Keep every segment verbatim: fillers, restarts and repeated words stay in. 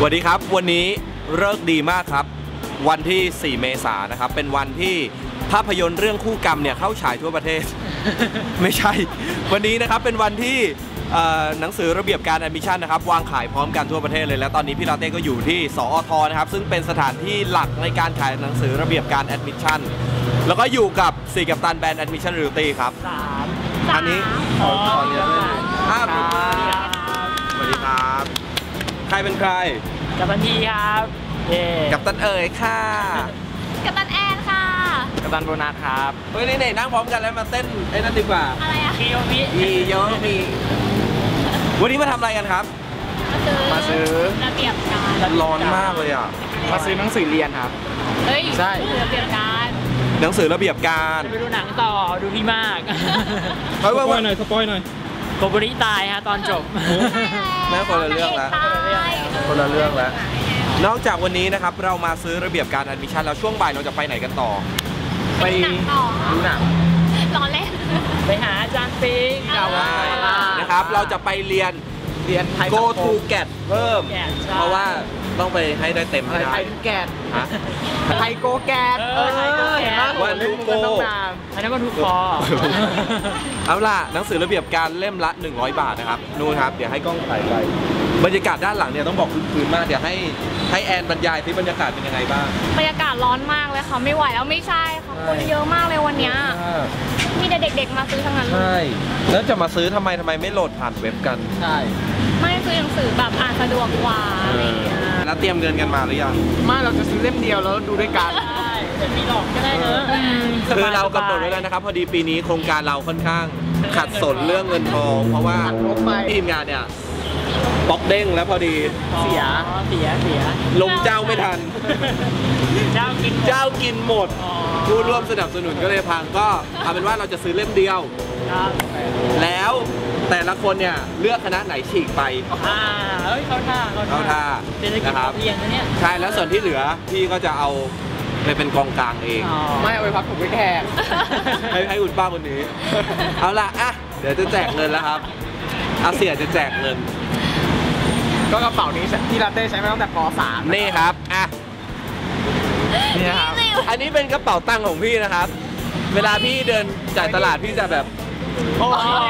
สวัสดีครับวันนี้ฤกษ์ดีมากครับวันที่สี่เมษายนนะครับเป็นวันที่ภาพยนตร์เรื่องคู่กรรมเนี่ยเข้าฉายทั่วประเทศ ไม่ใช่วันนี้นะครับเป็นวันที่หนังสือระเบียบการแอดมิชชั่นนะครับวางขายพร้อมกันทั่วประเทศเลยแล้วตอนนี้พี่ลาเต้ก็อยู่ที่สอทนะครับซึ่งเป็นสถานที่หลักในการขายหนังสือระเบียบการแอดมิชชั่นแล้วก็อยู่กับสี่กัปตันแบรนด์แอดมิชชั่นริลตี้ครับสามอันนี้ขอขอเรียนด้วยครับสวัสดีครับใครเป็นใครกัปตันทีครับกัปตันเอ๋ยค่ะกัปตันแอนค่ะกัปตันโบนัสครับเฮ้ยนี่ไหนนั่งพร้อมกันแล้วมาเต้นไอ้นั่นดีกว่าอะไรอะคิโยมิมีโยมีวันนี้มาทำอะไรกันครับมาซื้อระเบียบการร้อนมากเลยอ่ะมาซื้อหนังสือเรียนครับเฮ้ยใช่ระเบียบการหนังสือระเบียบการไปดูหนังต่อดูพี่มากสปอยหน่อยสปอยหน่อยโกบุริตายฮะตอนจบแม่คนละเรื่องแล้วคนละเรื่องแล้วนอกจากวันนี้นะครับเรามาซื้อระเบียบการแอดมิชชั่นแล้วช่วงบ่ายเราจะไปไหนกันต่อไปดูหนังร้อนเล่นไปหาอาจารย์ปิงนะครับเราจะไปเรียนเรียนไทย Go to Get เพิ่มเพราะว่าต้องไปให้ได้เต็มให้ได้ไทยแกดไทยโกแกดเออไทยโกแกดวันทุกโกอันนั้นวันทุกคอเอาล่ะหนังสือระเบียบการเล่มละหนึ่งร้อยบาทนะครับนู่นครับเดี๋ยวให้กล้องถ่ายไปบรรยากาศด้านหลังเนี่ยต้องบอกคืนๆมากเดี๋ยวให้ให้แอนบรรยายที่บรรยากาศเป็นยังไงบ้างบรรยากาศร้อนมากเลยค่ะไม่ไหวแล้วไม่ใช่ค่ะคนเยอะมากเลยวันนี้มีแต่เด็กๆมาซื้อทั้งนั้นใช่แล้วจะมาซื้อทำไมทำไมไม่โหลดผ่านเว็บกันใช่ไม่ซื้อหนังสือแบบอ่านสะดวกกว่าอะไรอย่างเงี้ยแล้วเตรียมเงินกันมาหรือยังไม่เราจะซื้อเล่มเดียวแล้วดูด้วยกันใช่จะมีหลอกก็ได้เนอะคือเรากำหนดไว้แล้วนะครับพอดีปีนี้โครงการเราค่อนข้างขัดสนเรื่องเงินทองเพราะว่าทีมงานเนี่ยบล็อกเด้งแล้วพอดีเสียเสียเสียลงเจ้าไม่ทันเจ้ากินเจ้ากินหมดผู้ร่วมสนับสนุนก็เลยพังก็เอาเป็นว่าเราจะซื้อเล่มเดียวแล้วแต่ละคนเนี่ยเลือกคณะไหนฉีกไปอ่าเฮ้ยเข้าท่าเข้าท่านะครับเพียงเนี่ยใช่แล้วส่วนที่เหลือพี่ก็จะเอาไปเป็นกองกลางเองไม่เอาไปพักผมไปแขกให้ให้คุณป้าคนนี้เอาล่ะอ่ะเดี๋ยวจะแจกเงินแล้วครับอาเซียจะแจกเงินก็กระเป๋านี้ที่ลาเต้ใช้มาตั้งแต่ป สามนี่ครับอ่ะนี่ครับอันนี้เป็นกระเป๋าตังค์ของพี่นะครับเวลาพี่เดินจ่ายตลาดพี่จะแบบโอ้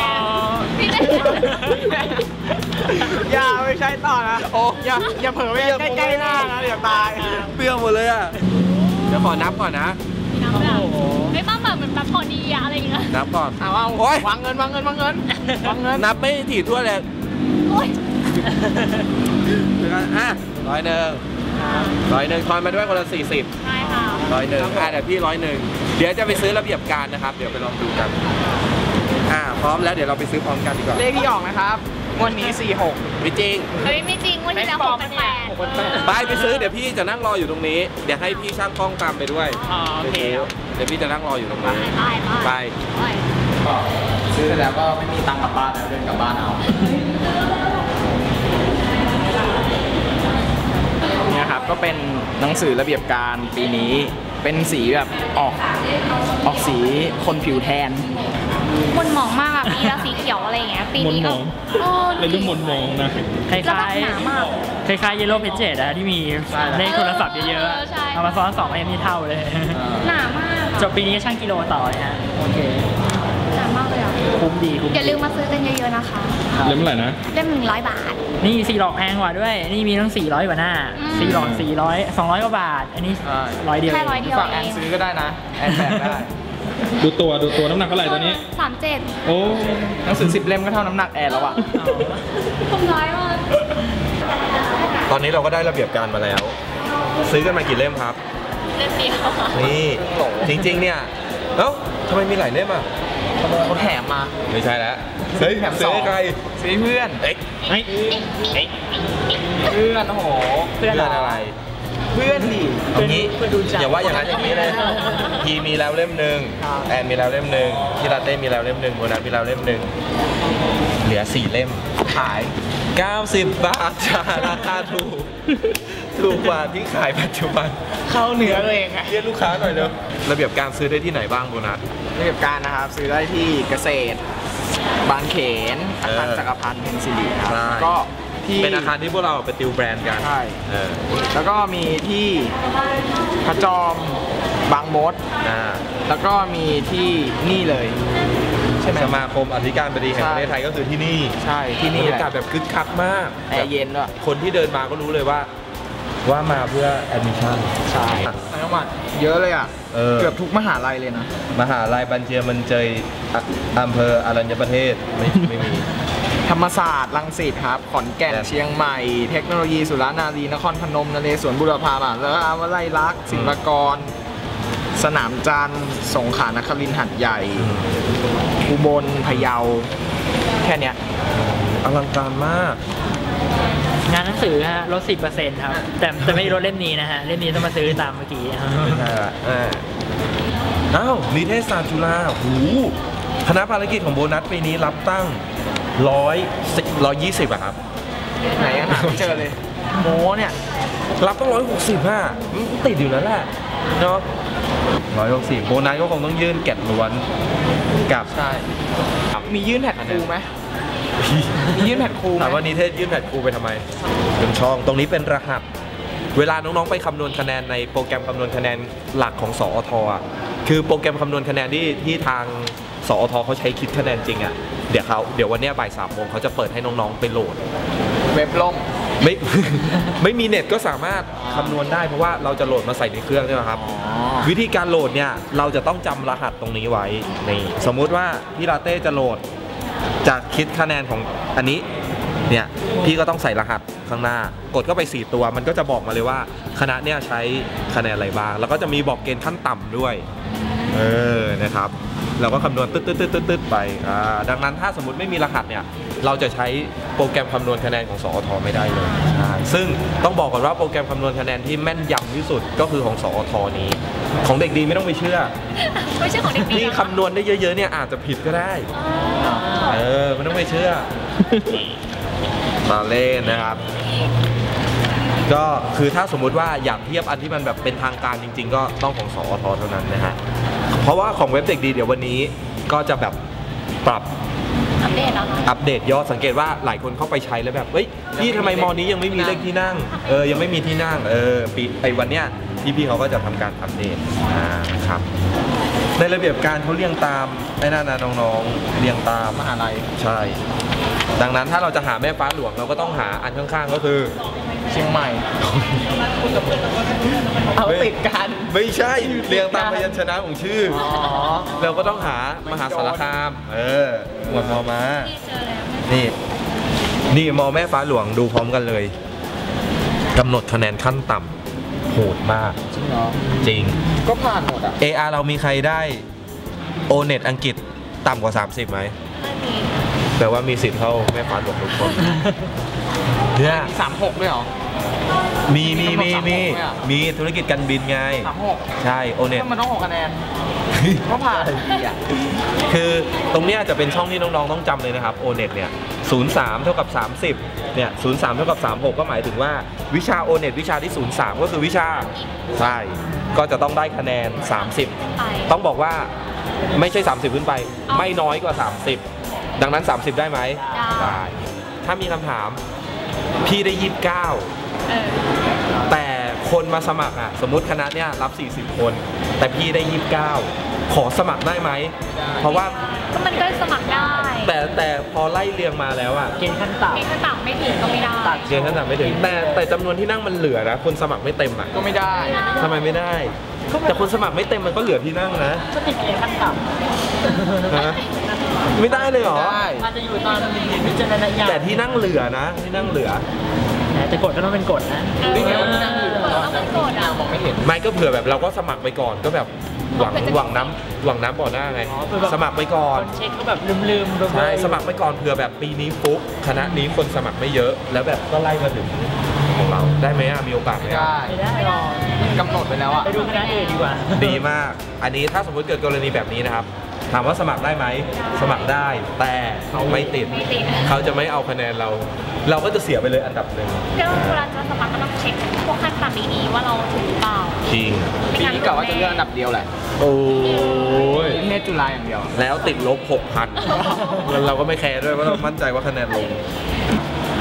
อย่าไม่ใช่ต่อนะโอ้อย่าอย่าเผลอไปใกล้ๆหน้านะเดี๋ยวตายเปรี้ยวหมดเลยอ่ะเดี๋ยวขอนับก่อนนะนับแบบไม่ต้องแบบเหมือนแบบพอดีอะไรอย่างเงี้ยนับก่อนเอาเอาวางเงินวางเงินวางเงินวางเงินนับไม่ถี่ทั่วเลยอ่ะร้อยหนึ่งร้อยหนึ่งทอนมาด้วยคนละสี่สิบใช่ค่ะร้อยหนึ่งอ่ะเดี๋ยวพี่ร้อยหนึ่งเดี๋ยวจะไปซื้อระเบียบการนะครับเดี๋ยวไปลองดูกันอ่าพร้อมแล้วเดี๋ยวเราไปซื้อพร้อมกันดีกว่าเลขที่ออกนะครับวันนี้สี่หกไม่จริงเฮ้ยไม่จริงวันนี้แล้วหกเป็นแปดไปไปซื้อเดี๋ยวพี่จะนั่งรออยู่ตรงนี้เดี๋ยวให้พี่ช่างกล้องตามไปด้วยโอเคเดี๋ยวพี่จะนั่งรออยู่ตรงนี้ไปไปซื้อแล้วก็ไม่มีตังค์กลับบ้านแล้วเดินกลับบ้านเอาเนี่ยครับก็เป็นหนังสือระเบียบการปีนี้เป็นสีแบบออกออกสีคนผิวแทนมันหมองมากอะปีละสีเขียวอะไรอย่างเงี้ยปีนี้ก็เป็นเรื่องมนมองนะคล้ายๆคล้ายๆเยลโล่เพจเจดอะที่มีเลขโทรศัพท์เยอะๆเอามาซ้อนสองเอ็มนี่เท่าเลยหนามากจบปีนี้ช่างกิโลต่อเลยฮะโอเคหนามากเลยอ่ะคุ้มดีคุ้มอย่าลืมมาซื้อกันเยอะๆนะคะเล่มเท่าไหร่นะเล่มหนึ่งร้อยบาทนี่สี่หลอกแพงกว่าด้วยนี่มีทั้งสี่ร้อยกว่าหน้าสี่หลอกสี่ร้อยสองร้อยกว่าบาทอันนี้ร้อยเดียวแค่ร้อยเดียวฝากแอนซื้อก็ได้นะแอนแบกได้ดูตัวดูตัวน้ำหนักเท่าไหร่ตัวนี้สามเจ็ดโอ้หนังสือสิบเล่มก็เท่าน้ำหนักแอนแล้วอ่ะคุ้มน้อยมากตอนนี้เราก็ได้ระเบียบการมาแล้วซื้อกันมากี่เล่มครับเล่มเดียวนี่จริงๆเนี่ยเอ้าทำไมมีหลายเล่มอ่ะเขาแถมมาไม่ใช่แล้วซื้อแถมสองใครซื้อเพื่อนเอ๊ะเอ๊ะเพื่อนโอ้โหเพื่อนอะไรเพื่อนดิตรงนี้อย่าว่าอย่างนั้นอย่างนี้เลยพีมีแล้วเล่มหนึ่งแอนมีแล้วเล่มหนึ่งพี่ลาเต้มีแล้วเล่มหนึ่งโบนัสมีแล้วเล่มหนึ่งเหลือสี่เล่มขายเก้าสิบบาทจ้าราคาถูกถูกกว่าที่ขายปัจจุบันเข้าเนื้อเลยไงเรียกลูกค้าหน่อยเด้อระเบียบการซื้อได้ที่ไหนบ้างโบนัสระเบียบการนะครับซื้อได้ที่เกษตรบางเขนอาคารจักรพันธ์เพนซิลีครับก็ทที่เป็นอาคารที่พวกเราไปติวแบรนด์กันใช่เออแล้วก็มีที่พระจอมบางมดอ่าแล้วก็มีที่นี่เลยใช่ไหมสมาคมอธิการบดีแห่งประเทศไทยก็คือที่นี่ใช่ที่นี่บรรแหยากาศละแบบคึกคักมากแอร์เย็นด้วยคนที่เดินมาก็รู้เลยว่า ว่ามาเพื่อแอดมิชชั่นใช่จังหวัดเยอะเลยอ่ะเออเกือบทุกมหาลัยเลยนะมหาลัยบัญเชียมันเจยอ่ะอำเภออรัญญประเทศไม่ไม่มีธรรมศาสตร์รังสิตครับขอนแก่นแบบเชียงใหม่ เทคโนโลยีสุรานารีนครพนมนเรศวรบุรพามหาแล้วอาวไลยลักษณ์ศิลปากร สนามจันทร์สงขลานครินทร์หัดใหญ่อุบลพะเยาแค่เนี้ยอลังการมากงานหนังสือฮะลด สิบเปอร์เซ็นต์ ครับ แต่แต่ไม่ได้ลดเล่มนี้นะฮะ เล่มนี้ต้องมาซื้อตามเมื่อกี้ครับไม่ใช่ละอ่าอ้าวนิเทศศาสตร์จุฬาหูคณะภารกิจของโบนัสปีนี้รับตั้งร้อยร้อยยี่สิบอะครับไหนยังหาไม่เจอเลย โมเนี่ยรับต้องร้อยหกสิบอะมันติดอยู่แล้วแหละเนาะร้อยหกสิบโบนัสก็คงต้องยื่นแกะล้วนกับใช่ มียื่นแผ่นครูไหมมียื่นแผ่นครูไหมถามว่านิเทศยื่นแผ่นครูไปทำไมเป็นช่องตรงนี้เป็นรหัส เวลาน้องๆไปคำนวณคะแนนในโปรแกรมคำนวณคะแนนหลักของสอทอ่ะคือโปรแกรมคำนวณคะแนนที่ที่ทางสอทเขาใช้คิดคะแนนจริงอ่ะเดี๋ยวเขาเดี๋ยววันเนี้ยบ่ายสามโมงเขาจะเปิดให้น้องๆไปโหลดเว็บล่มไม่ ไม่มีเน็ตก็สามารถคำนวณได้เพราะว่าเราจะโหลดมาใส่ในเครื่องใช่ไหมครับ วิธีการโหลดเนี่ยเราจะต้องจำรหัสตรงนี้ไว้นี่สมมุติว่าพี่ลาเต้จะโหลดจะคิดคะแนนของอันนี้เนี่ยพี่ก็ต้องใส่รหัสข้างหน้ากดเข้าไปสี่ตัวมันก็จะบอกมาเลยว่าคณะเนี่ยใช้คะแนนอะไรบ้างแล้วก็จะมีบอกเกณฑ์ขั้นต่ำด้วยเออนะครับเราก็คำนวณตึ๊ดตึ๊ดตึ๊ดตึ๊ดตึ๊ดไปอ่าดังนั้นถ้าสมมติไม่มีรหัสเนี่ยเราจะใช้โปรแกรมคำนวณคะแนนของสอทไม่ได้เลยใช่ซึ่งต้องบอกก่อนว่าโปรแกรมคำนวณคะแนนที่แม่นยำที่สุดก็คือของสอทนี้ของเด็กดีไม่ต้องไปเชื่อไม่ใช่ของเด็กดีที่นะคำนวณได้เยอะๆเนี่ยอาจจะผิดก็ได้ เออไม่ต้องไปเชื่อ มาเล่นนะครับ ก็คือถ้าสมมุติว่าอยากเทียบอันที่มันแบบเป็นทางการจริง ๆ ก็ต้องของสอทเท่านั้นนะฮะ เพราะว่าของเว็บเด็กดีเดี๋ยววันนี้ก็จะแบบปรับอัปเดตแล้วนะอัปเดตยอดสังเกตว่าหลายคนเข้าไปใช้แล้วแบบเฮ้ยพี่ทำไมมอนี้ยังไม่มีเลขที่นั่งเออยังไม่มีที่นั่งเออปีไอ้วันเนี้ยพี่พี่เขาก็จะทำการอัปเดตอ่าครับในระเบียบการเขาเรียงตามไอ้นั่นนะน้องๆเรียงตามมหาลัยใช่ ดังนั้นถ้าเราจะหาแม่ฟ้าหลวงเราก็ต้องหาอันข้างๆก็คือเชียงใหม่ เอาติดกันไม่ใช่เรียงตามพยัญชนะของชื่ออ๋อเราก็ต้องหามหาสารคามเออหมวดมอมาที่เจอแล้วนี่ นี่มอแม่ฟ้าหลวงดูพร้อมกันเลยกำหนดคะแนนขั้นต่ำโหดมากจริงเหรอจริงก็ผ่านหมดอ่ะเอ อาร์ เรามีใครได้โอเน็ตอังกฤษต่ำกว่า สามสิบไหมไม่มีแปลว่ามีสิทธิ์เข้าแม่ฟ้าหลวงทุกคนเนี่ยมีสามหกด้วยเหรอมีมีมีมีมีธุรกิจการบินไงสามหกใช่โอเน็ตก็มันต้องหกคะแนน ก็ผ่านดีอ่ะคือตรงเนี้ยจะเป็นช่องที่น้องๆต้องจำเลยนะครับ โอเน็ต เนี่ย ศูนย์ สาม เท่ากับ สามสิบ เนี่ย ศูนย์ สาม เท่ากับ สามสิบหก ก็หมายถึงว่าวิชา โอเน็ต วิชาที่ ศูนย์ สาม ก็คือวิชา ใช่ ก็จะต้องได้คะแนน สามสิบไปต้องบอกว่าไม่ใช่ สามสิบ ขึ้นไป ไม่น้อยกว่า สามสิบ ดังนั้น สามสิบ ได้ไหมได้ถ้ามีคำถาม พี่ได้ ยี่สิบเก้าเออแต่คนมาสมัครอ่ะสมมุติคณะเนี้ยรับ สี่สิบ คน แต่พี่ได้ ยี่สิบเก้า ขอสมัครได้ไหม เพราะว่าก็มันก็สมัครได้แต่แต่พอไล่เรียงมาแล้วอ่ะเกณฑ์ขั้นต่มีขั้นต่ำไม่ถึงก็ไม่ได้เกณฑ์ขั้นต่ำไม่ถึงแต่แต่จำนวนที่นั่งมันเหลือนะคนสมัครไม่เต็มอ่ะก็ไม่ได้ทำไมไม่ได้ แต่คนสมัครไม่เต็มมันก็เหลือที่นั่งนะำก็ติดเกณฑ์ขั้นต่ฮะไม่ได้เลยเหรอได้ำอาจจะอยู่ตอนพิจารณญาณแต่ที่นั่งเหลือนะที่นั่งเหลือแต่กฎก็ต้องเป็นกฎนะเออนี่ไงวันนี้นั่งอยู่เออต้องเป็นกฎอ่ะมองไม่เห็นไม่ก็เผื่อแบบเราก็สมัครไปก่อนก็แบบหวังหวังน้ำหวังน้ำบ่อหน้าไงอ๋อคือแบบสมัครไปก่อนคนเช็คเขาแบบลืมๆเบลอๆใช่สมัครไปก่อนเผื่อแบบปีนี้ปุ๊บคณะนี้คนสมัครไม่เยอะ แล้วแบบก็ไล่มาถึงของเราได้ไหมอ่ะมีโอกาสไหมไม่อ่ะได้ไม่ได้หรอกกำหนดไปแล้วอ่ะไปดูคณะอื่นดีกว่าดีมาก อันนี้ถ้าสมมติเกิดกรณีแบบนี้นะครับ ถามว่าสมัครได้ไหมสมัครได้แต่เขาไม่ติดไม่ติดเขาจะไม่เอาคะแนนเรา เราก็จะเสียไปเลยอันดับหนึ่งเดี๋ยวเวลาจะสมัครก็ต้องเช็คพวกขั้นต่ำดีๆว่าเราถึงหรือเปล่าจริงปีนี้กะว่าจะเลือกอันดับเดียวแหละโอ้ยนิเทศจุฬาอย่างเดียวแล้วติดลบหกพัน เราก็ไม่แคร์ด้วยเพราะเรามั่นใจว่าคะแนนลง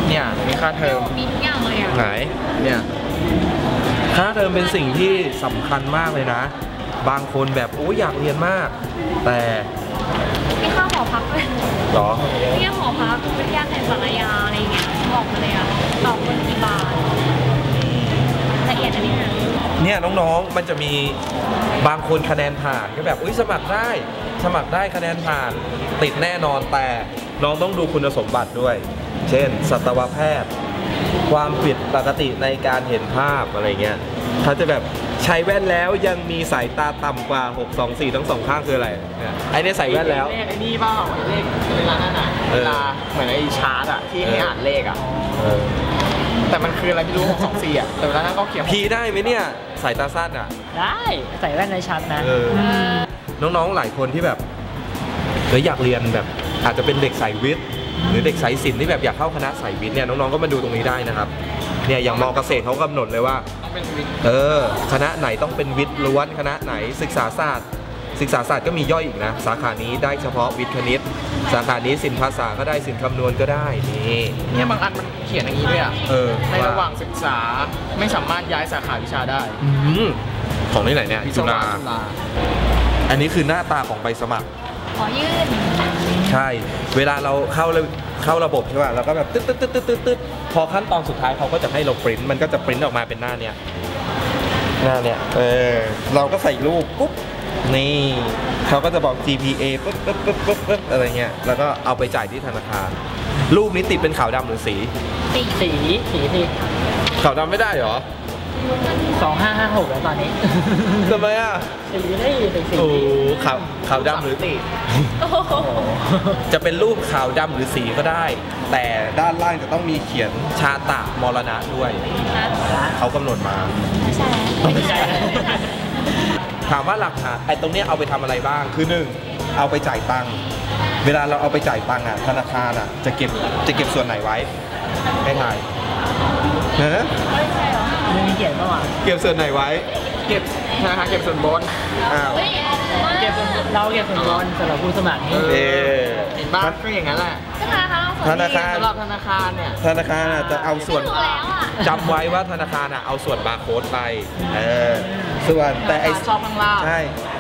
เนี่ยมีค่าเทอมมีทุกอย่างเลยอ่ะไหนเนี่ยค่าเทอมเป็นสิ่งที่สำคัญมากเลยนะ บางคนแบบโอ้ยอยากเรียนมาก แต่มีค่าหอพักด้วยหรอเนี่ยหอพักวิทยาในสารยาอะไรอย่างเงี้ยบอกมาเลยอ่ะต่อคนกี่บาทละเอียดอันนี้นะเนี่ยน้องๆ มันจะมีบางคนคะแนนผ่านก็แบบอุ้ยสมัครได้ สมัครได้คะแนนผ่าน ติดแน่นอนแต่น้องต้องดูคุณสมบัติด้วย เช่น สัตวแพทย์ ความผิดปกติในการเห็นภาพอะไรเงี้ยเขาจะแบบใช้แว่นแล้วยังมีสายตาต่ำกว่าหก สอง สี่ทั้งสองข้างคืออะไรเนี่ยไอ้เนี่ยใส่แว่นแล้วเลขไอ้นี่เปล่าเลขเวลานั่นน่ะเออเวลาเหมือนไอ้ชาร์ตอะที่ให้อ่านเลขอะเออแต่มันคืออะไรไม่รู้หกสองสี่อะแต่เวลานั้นก็เขียนพีได้ไหมเนี่ยสายตาสั้นอ่ะได้ใส่แว่นในชัดนะเออ น้องๆ หลายคนที่แบบเฮ้ยอยากเรียนแบบอาจจะเป็นเด็กสายวิทย์ หรือเด็กสายศิลป์ที่แบบอยากเข้าคณะสายวิทย์เนี่ยน้องๆ ก็มาดูตรงนี้ได้นะครับเนี่ยอย่างมอเกษตรเขากำหนดเลยว่าต้องเป็นวิทย์เออคณะไหนต้องเป็นวิทย์ล้วนคณะไหนศึกษาศาสตร์ ศึกษาศาสตร์ก็มีย่อยอีกนะสาขานี้ได้เฉพาะวิทย์คณิต สาขานี้ศิลป์ภาษาก็ได้ศิลป์คำนวณก็ได้นี่เนี่ยบางอันมันเขียนอย่างนี้ด้วยอะเออในระหว่างศึกษาไม่สามารถย้ายสาขาวิชาได้อืมของที่ไหนเนี่ยจุฬาจุฬาอันนี้คือหน้าตาของใบสมัครขอยื่นใช่ เวลาเราเข้าระเข้าระบบใช่ป่ะเราก็แบบตึ๊ดตึ๊ดตึ๊ดตึ๊ดตึ๊ดตึ๊ดพอขั้นตอนสุดท้ายเขาก็จะให้เราปริ้นมันก็จะปริ้นออกมาเป็นหน้าเนี้ยหน้าเนี้ยเออเราก็ใส่รูปปุ๊บนี่เขาก็จะบอก จี พี เอ ปุ๊บปุ๊บปุ๊บปุ๊บปุ๊บอะไรเงี้ยแล้วก็เอาไปจ่ายที่ธนาคารรูปนี้ติดเป็นขาวดำหรือสีสี่สีสีสีขาวดำไม่ได้เหรอสองห้าห้าหกแล้วตอนนี้ทำไมอ่ะสีได้เป็นสีโอ้ขาวขาวดำหรือโอ้โหจะเป็นรูปขาวดำหรือสีก็ได้ แต่ด้านล่างจะต้องมีเขียนชาตะมรณะด้วย เขากำหนดมาไม่ใช่ไม่ใช่ถามว่าหลักฐานไอ้ตรงเนี้ยเอาไปทำอะไรบ้าง คือหนึ่งเอาไปจ่ายตังค์ เวลาเราเอาไปจ่ายตังค์อ่ะธนาคารอ่ะจะเก็บจะเก็บส่วนไหนไว้ให้ถ่ายฮะไม่ใช่เหรอไม่มีเขียนเมื่อวานเก็บส่วนไหนไว้เก็บธนาคารเก็บส่วนบนอ้าวเฮ้ยเก็บเราเก็บส่วนบนสำหรับผู้สมัครนี่เออเห็นบ้างก็อย่างนั้นแหละธนาคารธนาคารสำหรับธนาคารเนี่ยธนาคารอ่ะจะเอาส่วนถูกแล้วอ่ะจำไว้ว่าธนาคารอ่ะเอาส่วนบาร์โค้ดไปเออส่วนแต่ไอ้ชอบข้างล่างใช่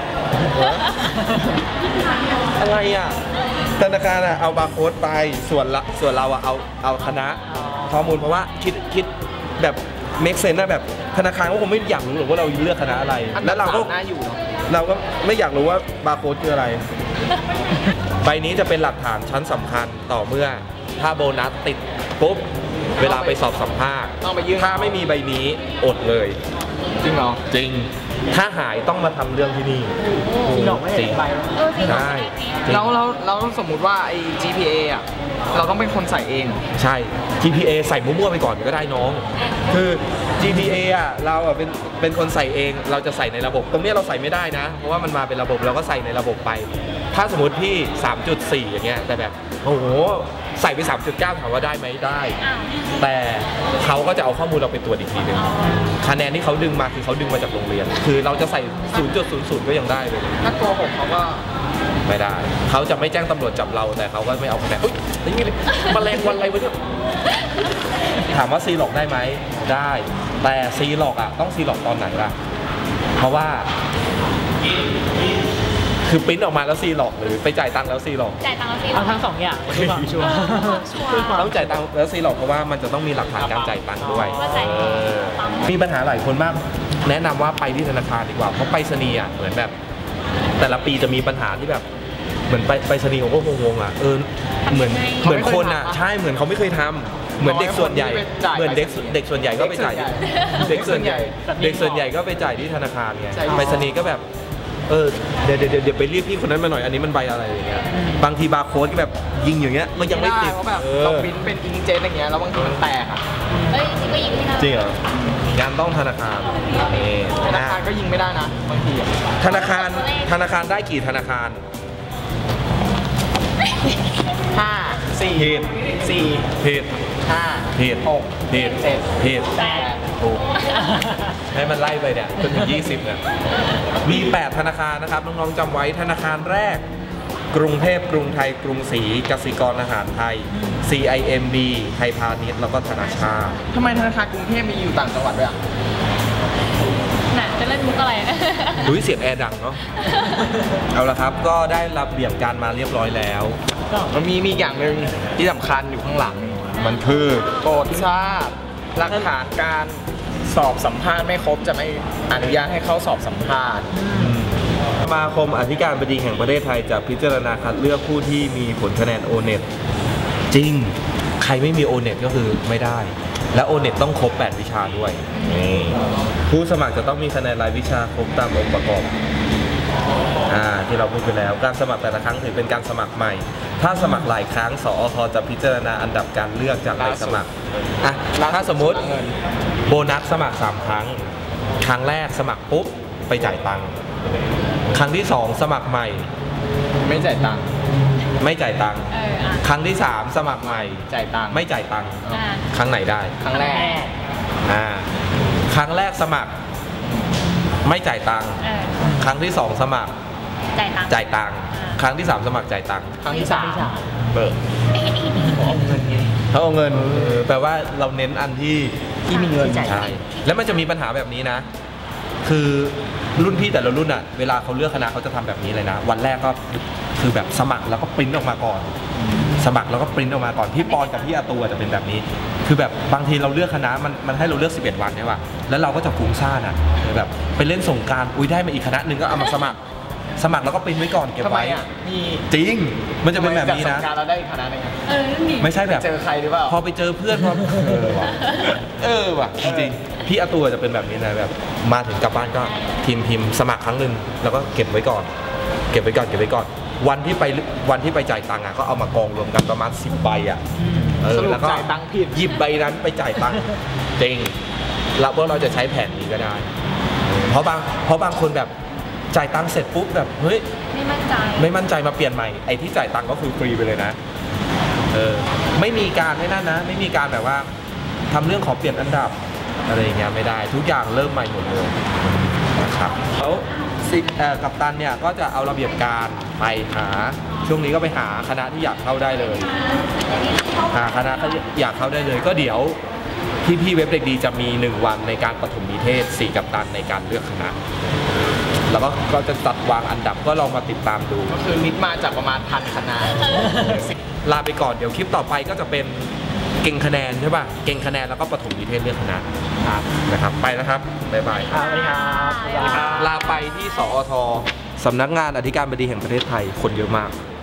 อะไรอ่ะธนาคารอ่ะเอาบาร์โค้ดไปส่วนละส่วนเราอ่ะเอาเอาคณะข้อมูลเพราะว่าคิดคิดแบบเมคเซนนะแบบธนาคารก็คงไม่อยากรู้หรอกว่าเราเลือกคณะอะไรอันแล้นั้วน เราก็น่าอยู่เนาะเราก็ไม่อยากรู้ว่าบาร์โค้ดคืออะไร ใบนี้จะเป็นหลักฐานชั้นสำคัญต่อเมื่อถ้าโบนัสติดปุ๊บเวลาไปสอบสัมภาษณ์ต้องไปยื่นถ้าไม่มีใบนี้อดเลยจริงเหรอจริง ถ้าหายต้องมาทำเรื่องที่นี่สีหลอกไม่จริได้งใบเออจริงใช่แล้วเราเราสมมุติว่าไอ้ จี พี เอ อ่ะ เราต้องเป็นคนใส่เองเหรอใช่ จี พี เอ ใส่มั่วๆไปก่อนก็ได้น้อง คือ จี พี เอ อ่ะเราอ่ะเป็นเป็นคนใส่เองเราจะใส่ในระบบ ตรงเนี้ยเราใส่ไม่ได้นะ เพราะว่ามันมาเป็นระบบเราก็ใส่ในระบบไป ถ้าสมมติพี่ สามจุดสี่ อย่างเงี้ยแต่แบบโอ้โหใส่ไป สามจุดเก้า ถามว่าได้ไหมได้อ้าวแต่เขาก็จะเอาข้อมูลเราไปตรวจอีกทีหนึงคะแนนที่เขาดึงมาคือเขาดึงมาจากโรงเรียน คือเราจะใส่ ศูนย์จุดศูนย์ ศูนย์ ก็ยังได้เลยถ้าโกหกเขาก็ไม่ได้ เขาจะไม่แจ้งตำรวจจับเราแต่เขาก็ไม่เอาคะแนนอุ้ยนี่เลยแมลงวันอะไรวะเนี่ยถามว่าซีหลอกได้ไหมได้ แต่ซีหลอกอ่ะต้องซีหลอกตอนไหนล่ะ เพราะว่า คือปริ้นออกมาแล้วซีหลอกหรือไปจ่ายตังค์แล้วซีหลอกจ่ายตังค์แล้วสิเอาทั้งสองอย่างเพื่อความชัวร์ชัวร์เพื่อความต้องจ่ายตังค์แล้วซีหลอกเพราะว่ามันจะต้องมีหลักฐานการจ่ายตังค์ด้วยว่าจ่ายเออมีปัญหาหลายคนมาก แนะนำว่าไปที่ธนาคารดีกว่าเพราะไปรษณีย์อ่ะเหมือนแบบ แต่ละปีจะมีปัญหาที่แบบ เหมือนไปไปรษณีย์ผมก็งงๆอ่ะเออเหมือนเหมือนคนอ่ะใช่เหมือนเขาไม่เคยทำเหมือนเด็กส่วนใหญ่เหมือนเด็กเด็กส่วนใหญ่ก็ไปจ่ายเด็กส่วนใหญ่เด็กส่วนใหญ่ก็ไปจ่ายที่ธนาคารไงไปรษณีย์ก็แบบเออเดี๋ยวเดี๋ยวเดี๋ยวไปเรียกพี่คนนั้นมาหน่อยอันนี้มันใบอะไรอย่างเงี้ยบางทีบาร์โค้ดก็แบบยิงอย่างเงี้ยมันยังไม่ติดเพราะแบบเอเราอปริ้นเป็นอิงเจ็ตอย่างเงี้ยแล้วบางทีมันแตกอ่ะเอ้ยจริงก็ยิงที่นั่นจริงเหรองานต้องธนาคารนี่ธนานะคารก็ยิงไม่ได้นะบางทีอะธนาคารธนาคารได้กี่ธนาคารห้าสี่ผิดสี่ผิดห้าผิดหกผิดเจ็ดผิดแปดถูกให้มันไล่ไปเนี่ยจนถึงยี่สิบเนี่ยมีแปดธนาคารนะครับน้องๆจำไว้ธนาคารแรกกรุงเทพกรุงไทยกรุงศรีกสิกรอาหารไทย ซี ไอ เอ็ม บี ไทยพาณิชย์แล้วก็ธนาชาติทำไมธนาคารกรุงเทพมีอยู่ต่างจังหวัดด้วยอ่ะน่ะจะเล่นมุกอะไรดูเสียงแอร์ดังเนาะ เอาละครับก็ได้รับเบี่ยงการมาเรียบร้อยแล้วมันมีมีอย่างหนึ่งที่สำคัญอยู่ข้างหลังมันคือโปรดทราบหลักฐานการสอบสัมภาษณ์ไม่ครบจะไม่อนุญาตให้เข้าสอบสัมภาษณ์สมาคมอธิการบดีแห่งประเทศไทยจะพิจารณาคัดเลือกผู้ที่มีผลคะแนน โอ เน็ต จริง ใครไม่มี โอ เน็ต ก็คือไม่ได้ และ โอ เน็ต ต้องครบ แปด วิชาด้วยนี่ผู้สมัครจะต้องมีคะแนนรายวิชาครบตามองค์ประกอบอ่าที่เราพูดไปแล้วการสมัครแต่ละครั้งถือเป็นการสมัครใหม่ ถ้าสมัครหลายครั้งสอทจะพิจารณาอันดับการเลือกจากใบสมัครอ่ะถ้าสมมติโบนัสสมัครสามครั้งครั้งแรกสมัครปุ๊บไปจ่ายตังค์ครั้งที่สองสมัครใหม่ไม่จ่ายตังค์ไม่จ่ายตังค์เอออ่ะครั้งที่สามสมัครใหม่จ่ายตังค์ไม่จ่ายตังค์อ่ะครั้งไหนได้ครั้งแรกอ่าครั้งแรกสมัคร ไม่จ่ายตังค์เออครั้งที่สองสมัครจ่ายตังค์จ่ายตังค์ครั้งที่สามสมัครจ่ายตังค์ครั้งที่สามเบิกเขาเอาเงินแปลว่าเราเน้นอันที่ที่มีเงินใช่แล้วมันจะมีปัญหาแบบนี้นะ คือรุ่นพี่แต่ละรุ่นอ่ะเวลาเขาเลือกคณะเขาจะทำแบบนี้เลยนะ วันแรกก็คือแบบสมัครแล้วก็ปริ้นออกมาก่อน สมัครแล้วก็ปริ้นออกมาก่อนพี่ปอนกับพี่อาตูจะเป็นแบบนี้ คือแบบบางทีเราเลือกคณะมันมันให้เราเลือกสิบเอ็ดวันใช่ป่ะแล้วเราก็จะฟุ้งซ่านอ่ะแบบไปเล่นสงกรานต์อุ้ยได้มาอีกคณะหนึ่งก็เอามาสมัคร สมัครแล้วก็ปริ้นไว้ก่อนเก็บทำไมไว้อ่ะมีจริงมันจะเป็นแบบนี้นะทำไมจากสงกรานต์เราได้อีกคณะหนึงอะเออนั่นดิไม่ใช่แบบเจอใครหรือเปล่าพอไปเจอเพื่อนพอเออว่ะเออว่ะจริงๆพี่อาตัวจะเป็นแบบนี้นะแบบมาถึงกลับบ้านก็พิมพ์พิมพ์สมัครครั้งหนึ่งแล้วก็เก็บไว้ก่อน เก็บไว้ก่อนเก็บไว้ก่อน วันที่ไปวันที่ไปจ่ายตังค์อ่ะก็เอามากองรวมกันประมาณสิบใบอ่ะเออสรุปแล้วก็จ่ายตังค์ผิดหยิบใบนั้นไปจ่ายตังค์จริงแล้วพวกเราจะใช้แผนนี้ก็ได้ เพราะบางเพราะบางคนแบบจ่ายตังค์เสร็จปุ๊บแบบเฮ้ยไม่มั่นใจไม่มั่นใจมาเปลี่ยนใหม่ไอ้ที่จ่ายตังค์ก็คือฟรีไปเลยนะเออไม่มีการไม่นั่นนะ ไม่มีการแบบว่าทำเรื่องขอเปลี่ยนอันดับอะไรอย่างเงี้ยไม่ได้ทุกอย่างเริ่มใหม่หมดเลยนะครับแล้วสิเอ่อกัปตันเนี่ยก็จะเอาระเบียบการไปหาช่วงนี้ก็ไปหาคณะที่อยากเข้าได้เลยหาคณะที่อยากเข้าได้เลย ก็เดี๋ยวพี่พี่ๆเว็บเด็กดีจะมีหนึ่งวันในการปฐมนิเทศสี่กัปตันในการเลือกคณะแล้วก็ก็จะจัดวางอันดับก็ลองมาติดตามดูก็คือมิดมาจากประมาณพันคณะลาไปก่อนเดี๋ยวคลิปต่อไปก็จะเป็นเก่งคะแนนใช่ป่ะเก่งคะแนนแล้วก็ปฐมนิเทศเลือกคณะนะครับไปนะครับบ๊ายบายครับสวัสดีครับสวัสดีครับลาไปที่สอทสำนักงานอธิการบดีแห่งประเทศไทยคนเยอะมาก